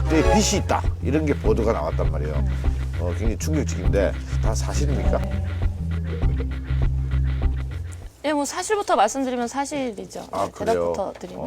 그때 빚이 있다 이런 게 보도가 나왔단 말이에요. 굉장히 충격적인데 다 사실입니까? 예, 뭐 사실부터 말씀드리면 사실이죠. 아, 네, 그래요? 대답부터 드리면.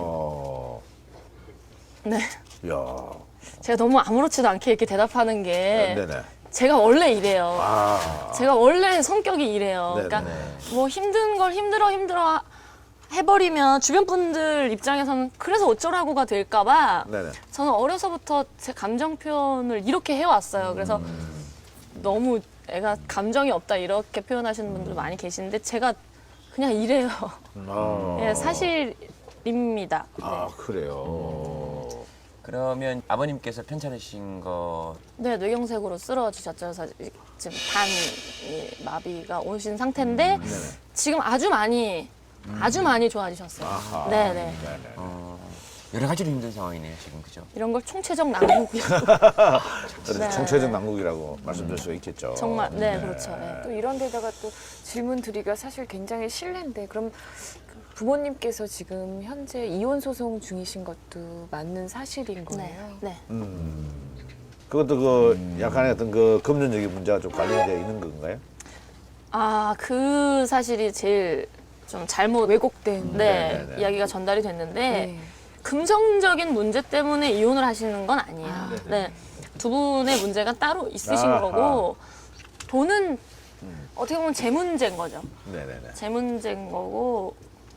야, 네. 제가 너무 아무렇지도 않게 이렇게 대답하는 게 네네. 제가 원래 이래요. 아, 제가 원래 성격이 이래요. 네네. 그러니까 뭐 힘든 걸 힘들어 해버리면 주변 분들 입장에서는 그래서 어쩌라고가 될까봐 네네. 저는 어려서부터 제 감정 표현을 이렇게 해왔어요. 그래서 너무 애가 감정이 없다 이렇게 표현하시는 분들 많이 계시는데 제가 그냥 이래요. 예, 사실입니다. 네. 아, 그래요. 그러면 아버님께서 편찮으신 거 네, 뇌경색으로 쓰러지셨죠. 그래서 지금 마비가 오신 상태인데 지금 아주 많이 좋아지셨어요. 아하. 네네. 네네. 여러 가지로 힘든 상황이네요 지금 그죠? 이런 걸 총체적 난국이라고. 그래서 네. 총체적 난국이라고 말씀드릴 수 있겠죠. 정말 네, 그렇죠. 네. 또 이런 데다가 또 질문 드리기가 사실 굉장히 실례인데 그럼 그 부모님께서 지금 현재 이혼 소송 중이신 것도 맞는 사실인 네. 거예요? 네. 그것도 그 약간의 어떤 그 금전적인 문제가 좀 관련되어 있는 건가요? 아, 그 사실이 제일 좀 잘못 왜곡된. 네네네. 이야기가 전달이 됐는데 네. 금전적인 문제 때문에 이혼을 하시는 건 아니에요. 네. 두 분의 문제가 따로 있으신 아하. 거고 돈은 어떻게 보면 제 문제인 거죠. 네네네. 제 문제인 거고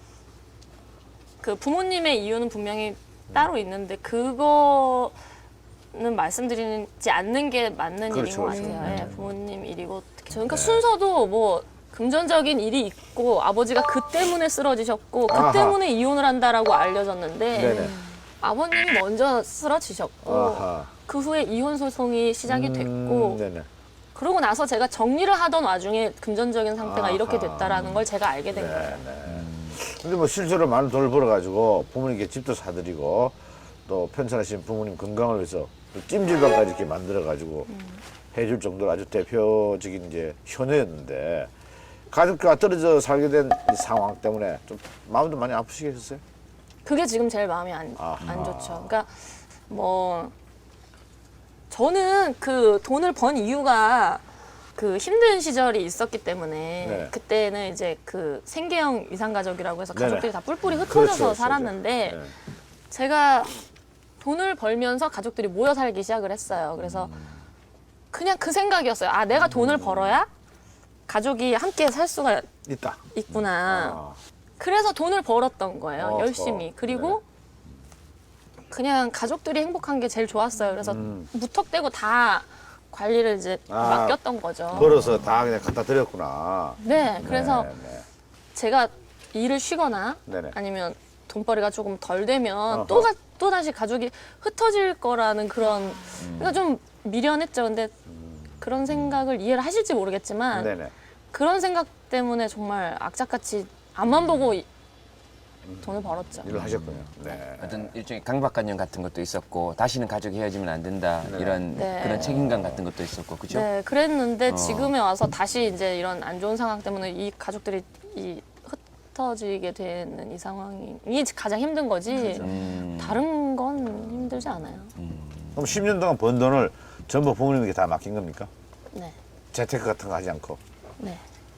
그 부모님의 이유는 분명히 따로 있는데 그거는 말씀드리지 않는 게 맞는 그렇죠, 일인 것 그렇죠. 같아요. 예, 부모님 일이고 특히 그러니까 순서도 뭐 금전적인 일이 있고 아버지가 그 때문에 쓰러지셨고 그 아하. 때문에 이혼을 한다라고 알려졌는데 네네. 아버님이 먼저 쓰러지셨고 아하. 그 후에 이혼 소송이 시작이 됐고 네네. 그러고 나서 제가 정리를 하던 와중에 금전적인 상태가 아하. 이렇게 됐다라는 걸 제가 알게 된 거예요. 네네. 근데 뭐 실제로 많은 돈을 벌어가지고 부모님께 집도 사드리고 또 편찮으신 부모님 건강을 위해서 또 찜질방까지 이렇게 만들어가지고 해줄 정도로 아주 대표적인 이제 효녀였는데 가족과 떨어져 살게 된 이 상황 때문에 좀 마음도 많이 아프시겠어요? 그게 지금 제일 마음이 안 좋죠. 그러니까 뭐 저는 그 돈을 번 이유가 그 힘든 시절이 있었기 때문에 네. 그때는 이제 그 생계형 위상가족이라고 해서 네네. 가족들이 다 뿔뿔이 흩어져서 그렇죠, 그렇죠. 살았는데 네. 제가 돈을 벌면서 가족들이 모여 살기 시작을 했어요. 그래서 그냥 그 생각이었어요. 아, 내가 돈을 벌어야 가족이 함께 살 수가 있다. 있구나. 아. 그래서 돈을 벌었던 거예요. 어허. 열심히. 그리고 그냥 가족들이 행복한 게 제일 좋았어요. 그래서 무턱대고 다 관리를 이제 아, 맡겼던 거죠. 벌어서 다 그냥 갖다 드렸구나. 네, 그래서 네. 제가 일을 쉬거나 네네. 아니면 돈벌이가 조금 덜 되면 어허. 또 다시 가족이 흩어질 거라는 그런 그러니까 좀 미련했죠. 근데 그런 생각을 이해를 하실지 모르겠지만 네네. 그런 생각 때문에 정말 악착같이 앞만 보고 돈을 벌었죠. 일을 하셨군요. 네. 어떤 일종의 강박관념 같은 것도 있었고 다시는 가족이 헤어지면 안 된다 이런 네. 그런 책임감 같은 것도 있었고 그죠? 네, 그랬는데 어. 지금에 와서 다시 이제 이런 안 좋은 상황 때문에 이 가족들이 흩어지게 되는 이 상황이 가장 힘든 거지 다른 건 힘들지 않아요. 그럼 10년 동안 번 돈을 전부 부모님에게 다 맡긴 겁니까? 네, 재테크 같은 거 하지 않고. 네.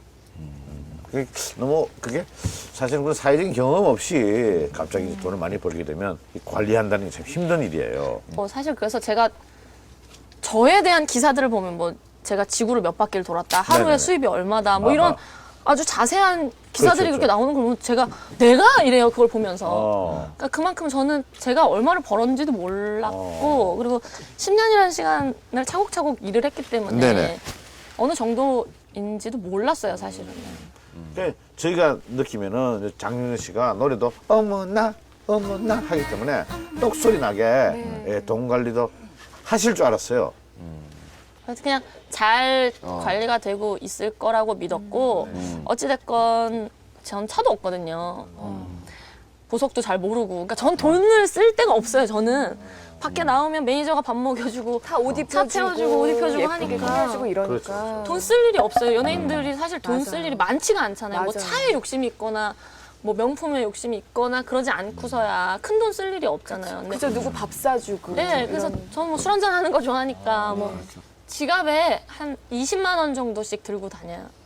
그게 사실은 그런 사회적인 경험 없이 갑자기 이제 돈을 많이 벌게 되면 이 관리한다는 게 참 힘든 일이에요. 뭐 사실 그래서 제가 저에 대한 기사들을 보면 뭐 제가 지구를 몇 바퀴를 돌았다, 하루에 네네네. 수입이 얼마다, 뭐 아하. 이런 아주 자세한 기사들이 그렇죠, 그렇게 나오는 걸 보면 제가 내가 이래요 그걸 보면서. 그러니까 그만큼 저는 제가 얼마를 벌었는지도 몰랐고 그리고 10년이라는 시간을 차곡차곡 일을 했기 때문에 네네. 어느 정도인지도 몰랐어요 사실은. 그러니까 저희가 느끼면은 장윤정 씨가 노래도 어머나 어머나 하기 때문에 똑소리 나게 예, 돈 관리도 하실 줄 알았어요. 그래서 그냥 잘 관리가 되고 있을 거라고 믿었고 어찌됐건 전 차도 없거든요. 보석도 잘 모르고. 그러니까 전 돈을 쓸 데가 없어요. 저는 밖에 나오면 매니저가 밥 먹여주고 다 옷 입혀주고, 차 채워주고 옷 입혀주고 예쁘게 하니까 꾸며주고 이러니까. 그렇죠. 돈 쓸 일이 없어요. 연예인들이 사실 돈 쓸 맞아요. 일이 많지가 않잖아요. 뭐 맞아요. 차에 욕심이 있거나 뭐 명품에 욕심이 있거나 그러지 않고서야 큰 돈 쓸 일이 없잖아요. 근데 그죠, 누구 밥 사주고. 네, 그래서 이런. 저는 뭐 술 한잔 하는 거 좋아하니까 뭐 지갑에 한 20만 원 정도씩 들고 다녀요.